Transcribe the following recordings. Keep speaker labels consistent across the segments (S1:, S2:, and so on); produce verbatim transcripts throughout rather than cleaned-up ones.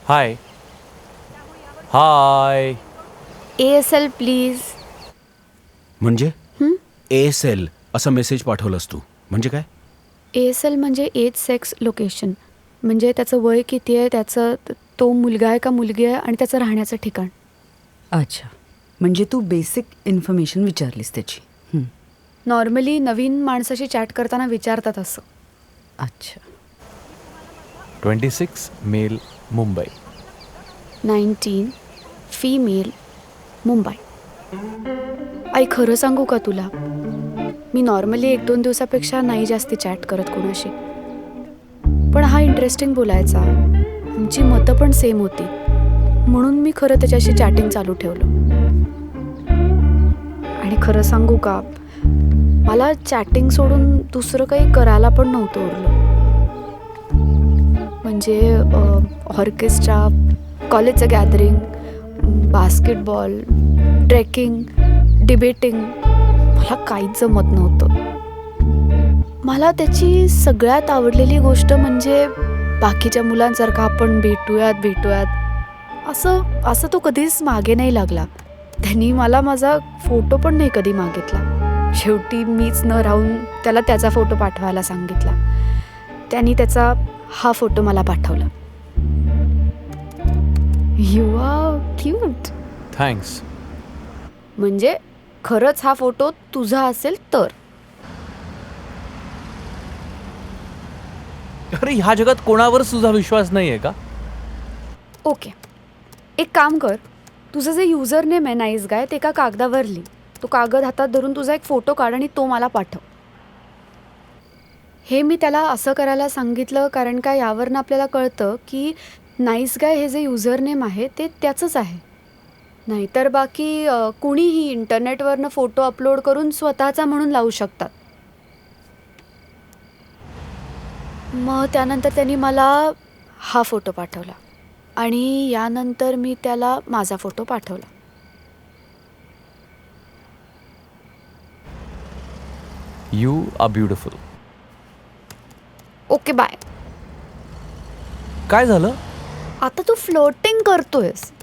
S1: High hi.
S2: A S L please.
S3: म्हणजे A S L असा message पाठवलास तू, म्हणजे काय?
S2: ए एस एल म्हणजे एज सेक्स लोकेशन, म्हणजे त्याचं वय किती आहे, त्याचं तो मुलगा आहे का मुलगी आहे आणि त्याचं राहण्याचं ठिकाण.
S4: अच्छा, म्हणजे तू बेसिक इन्फॉर्मेशन विचारलीस त्याची. हं.
S2: नॉर्मली नवीन माणसाशी चॅट करताना विचारतात असं.
S4: अच्छा.
S1: Twenty six male Mumbai.
S2: Nineteen female Mumbai. आई खरं सांगू का तुला, मी नॉर्मली एक दोन दिवसापेक्षा नाही जास्ती चॅट करत कोणाशी, पण हा इंटरेस्टिंग बोलायचा, आमची मतं पण सेम होती, म्हणून मी खरं त्याच्याशी चॅटिंग चालू ठेवलं. आणि खरं सांगू का, मला चॅटिंग सोडून दुसरं काही करायला पण नव्हतं उरलं. म्हणजे ऑर्केस्ट्रा, कॉलेजचं गॅदरिंग, बास्केटबॉल, ट्रेकिंग, डिबेटिंग, मला काहीच जमत नव्हतं. मला त्याची सगळ्यात आवडलेली गोष्ट म्हणजे बाकीच्या मुलांसारखं आपण भेटूयात भेटूयात असं असं तो कधीच मागे नाही लागला. त्यांनी मला माझा फोटो पण नाही कधी मागितला. शेवटी मीच न राहून त्याला त्याचा फोटो पाठवायला सांगितला. त्यांनी त्याचा हा फोटो मला पाठवला. You are cute.
S1: थँक्स.
S2: म्हणजे खरंच हा फोटो तुझा असेल तर.
S1: अरे ह्या जगात कोणावर तुझा विश्वास नाही आहे का?
S2: ओके, एक काम कर, तुझं जे युजर नेम आहे नाईस गाय ते एका कागदावर लिही. तो कागद हातात धरून तुझा एक फोटो काढ आणि तो मला पाठव. हे मी त्याला असं करायला सांगितलं कारण का यावरनं आपल्याला कळतं की नाईस गाय हे जे युजर नेम आहे ते त्याचंच आहे. नाहीतर बाकी कुणीही इंटरनेटवरनं फोटो अपलोड करून स्वतःचा म्हणून लावू शकतात. मग त्यानंतर त्यांनी मला हा फोटो पाठवला आणि यानंतर मी त्याला माझा फोटो पाठवला.
S1: You are beautiful.
S2: Okay bye.
S1: काय झालं?
S2: आता तू फ्लोटिंग करतोयस.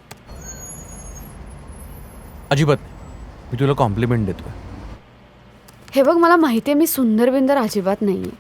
S1: अजिबात नाही. मी तुला कॉम्प्लिमेंट देतोय.
S2: हे बघ, मला माहिती आहे मी सुंदर बिंदर अजिबात नाही आहे.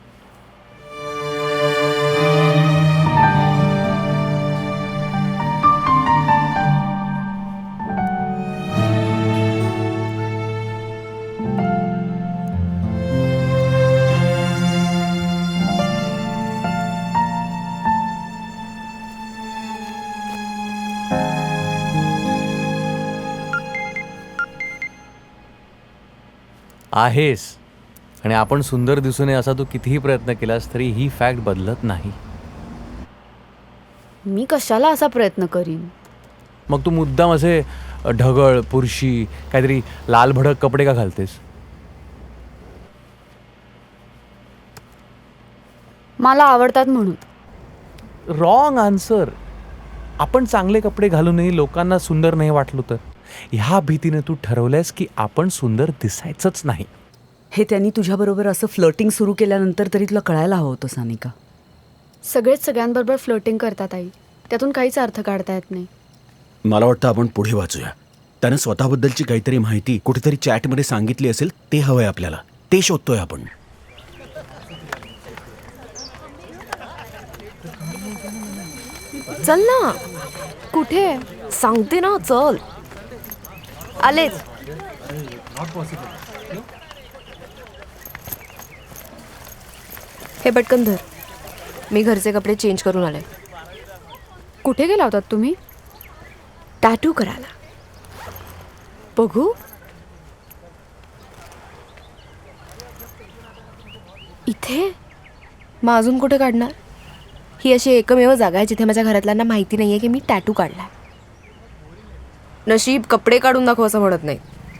S1: आहेस आणि आपण सुंदर दिसू नये असा तू कितीही प्रयत्न केलास तरी ही फॅक्ट बदलत नाही.
S2: मी कशाला असा प्रयत्न करीन?
S1: मग तू मुद्दाम असे ढगळ, पुरशी, काहीतरी लाल भडक कपडे का घालतेस?
S2: मला आवडतात म्हणून.
S1: Wrong answer. आपण चांगले कपडे घालूनही लोकांना सुंदर नाही वाटलो तर ह्या भीतीने तू ठरवलंयस की आपण सुंदर दिसायचंच नाही.
S4: हे त्यांनी तुझ्याबरोबर असं फ्लर्टिंग सुरू केल्यानंतर तरी तुला कळायला हवं होतं सानिका.
S2: सगळेच सगळ्यांबरोबर फ्लोटिंग करतात आई, त्यातून काहीच अर्थ काढता येत नाही.
S3: मला वाटतं आपण पुढे वाचूया. त्यानं स्वतःबद्दलची काहीतरी माहिती कुठेतरी चॅटमध्ये सांगितली असेल, ते हवंय आपल्याला. ते शोधतोय आपण.
S5: चल ना.
S2: कुठे?
S5: सांगते ना, चल. आलेच. हे पटकन धर. मी घरचे कपडे चेंज करून आले.
S2: कुठे गेला होतात तुम्ही?
S5: टॅटू करायला.
S2: बघू.
S5: इथे? मग अजून कुठे काढणार? ही अशी एकमेव जागा आहे जिथे माझ्या घरातल्यांना माहिती नाहीये की मी टॅटू काढलाय. नशीब कपडे काढून दाखव असं म्हणत नाही.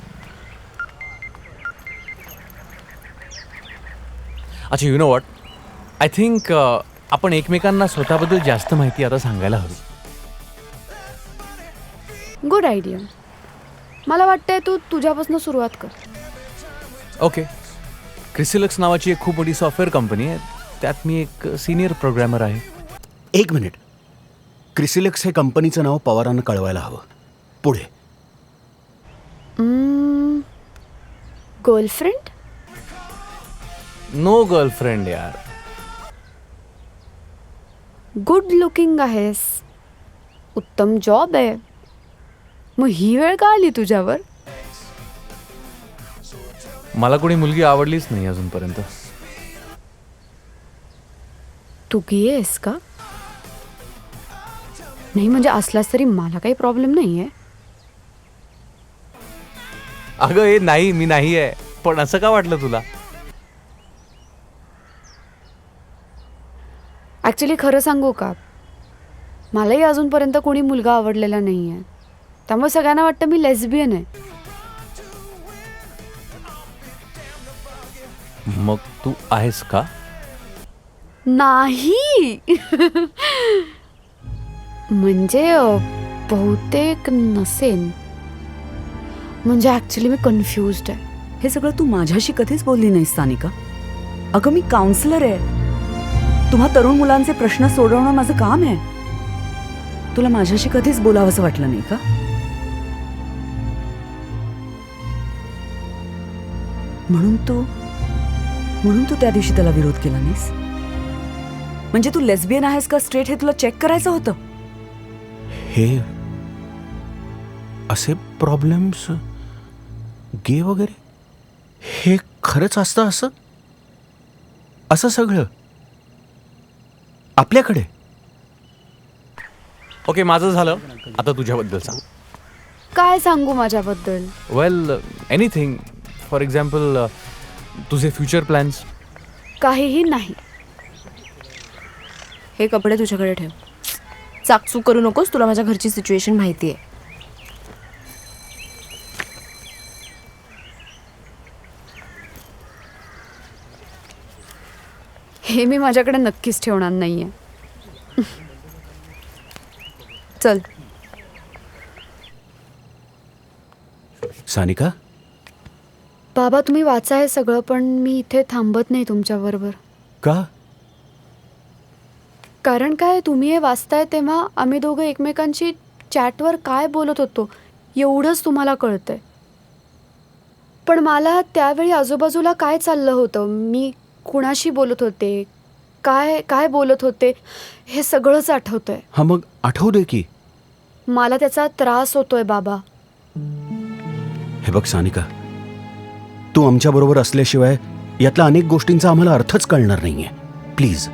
S1: अच्छा, you know what, I think आपण एकमेकांना स्वतःबद्दल जास्त माहिती आता सांगायला हवी.
S2: Good idea. मला वाटतंय तू तुझ्यापासून सुरुवात कर.
S1: ओके. क्रिसिलक्स नावाची एक खूप मोठी सॉफ्टवेअर कंपनी आहे, त्यात मी एक सिनियर प्रोग्रॅमर आहे.
S3: एक मिनिट. क्रिसिलेक्स हे कंपनीचं नाव पवारांना कळवायला हवं. पुढे.
S2: गर्लफ्रेंड?
S1: नो गर्लफ्रेंड यार.
S2: गुड लुकिंग आहेस, उत्तम जॉब आहे, मग ही वेळ का आली तुझ्यावर?
S1: मला कोणी मुलगी आवडलीच नाही अजूनपर्यंत.
S2: तू गे आहेस का? नाही म्हणजे असलास तरी मला काही प्रॉब्लेम नाही आहे.
S1: अगं हे नाही, मी नाही आहे. पण असं का वाटलं तुला?
S2: ॲक्च्युली खरं सांगू का, मलाही अजूनपर्यंत कोणी मुलगा आवडलेला नाही आहे, त्यामुळे सगळ्यांना वाटतं मी लेस्बियन आहे.
S1: मग तू आहेस का?
S2: नाही. म्हणजे अ, बहुतेक नसेन. म्हणजे ॲक्च्युली मी कन्फ्युज्ड आहे.
S4: हे सगळं तू माझ्याशी कधीच बोलली नाहीस सानिका. अगं मी काउन्सिलर आहे. तुम्हा तरुण मुलांचे प्रश्न सोडवणं माझं काम आहे. तुला माझ्याशी कधीच बोलावंसं वाटलं नाही का? म्हणून तू म्हणून तू त्या दिवशी त्याला विरोध केला नाहीस? म्हणजे तू लेस्बियन आहेस का स्ट्रेट हे तुला चेक करायचं होतं?
S3: हे असे प्रॉब्लेम्स गे वगैरे हे खरंच असतं? असं असं सगळं आपल्याकडे?
S1: ओके, माझं झालं. आता तुझ्याबद्दल सांग.
S2: काय सांगू माझ्याबद्दल?
S1: Well, anything. फॉर एक्झाम्पल, तुझे फ्युचर प्लॅन्स.
S2: काहीही नाही.
S5: हे कपडे तुझ्याकडे ठेव. चाकचूक करू नकोस, तुला माझ्या घरची सिच्युएशन माहिती आहे.
S2: हे मी माझ्याकडे नक्कीच ठेवणार नाहीये. चल.
S3: सानिका,
S2: बाबा तुम्ही वाचा हे सगळं, पण मी इथे थांबत नाही तुमच्याबरोबर.
S3: का?
S2: कारण काय, तुम्ही हे वाचताय तेव्हा आम्ही दोघं एकमेकांशी चॅटवर काय बोलत होतो एवढंच तुम्हाला कळतंय. पण मला त्यावेळी आजूबाजूला काय चाललं होतं, मी कुणाशी बोलत होते, काय काय बोलत होते, हे सगळंच आठवतंय.
S3: हा मग आठवू दे की.
S2: मला त्याचा त्रास होतोय बाबा.
S3: हे बघ सानिका, तू आमच्याबरोबर असल्याशिवाय यातल्या अनेक गोष्टींचा आम्हाला अर्थच कळणार नाहीये. प्लीज.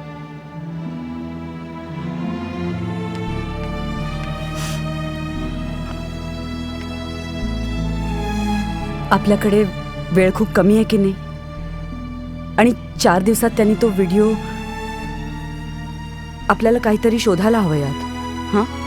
S4: आपल्याकडे वेळ खूप कमी आहे की नाही? आणि चार दिवसात त्यांनी तो व्हिडिओ आपल्याला काहीतरी शोधायला हवं यात. हां